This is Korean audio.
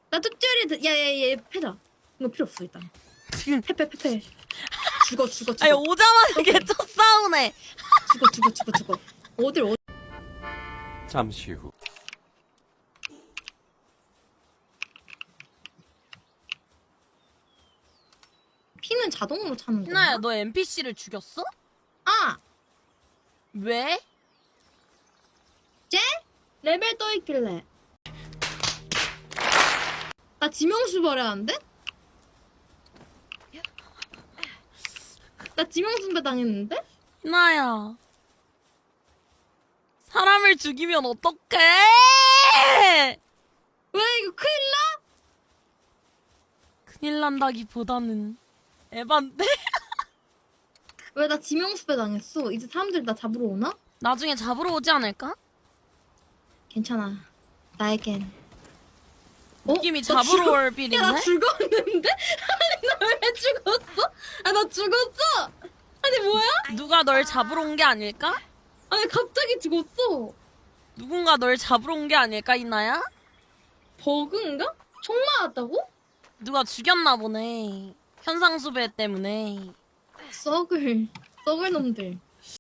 나 뚝줄이 야야야 패다. 이거 필요 없어 일단. 패. 죽어. 아니 오자마자 오케이. 개쩍 싸우네. 죽어. 어딜 잠시 후. 피는 자동으로 차는 거야? 희나야 너 NPC를 죽였어? 아! 왜? 쟤? 레벨 떠있길래. 나 지명수 버려야하는데? 나 지명수 당했는데? 희나야 사람을 죽이면 어떡해? 왜 이거 큰일 나? 큰일 난다기보다는 에반데? 왜 나 지명수 당했어? 이제 사람들 나 잡으러 오나? 나중에 잡으러 오지 않을까? 괜찮아. 나에겐. 느낌이 나 잡으러 올 야, 나 빌인데? 죽었는데? 아니, 나 왜 죽었어? 아, 나 죽었어! 아니, 뭐야? 누가 널 잡으러 온 게 아닐까? 아니, 갑자기 죽었어. 누군가 널 잡으러 온 게 아닐까, 희나야? 버그인가? 총 맞았다고? 누가 죽였나 보네. 현상수배 때문에. 썩을 놈들.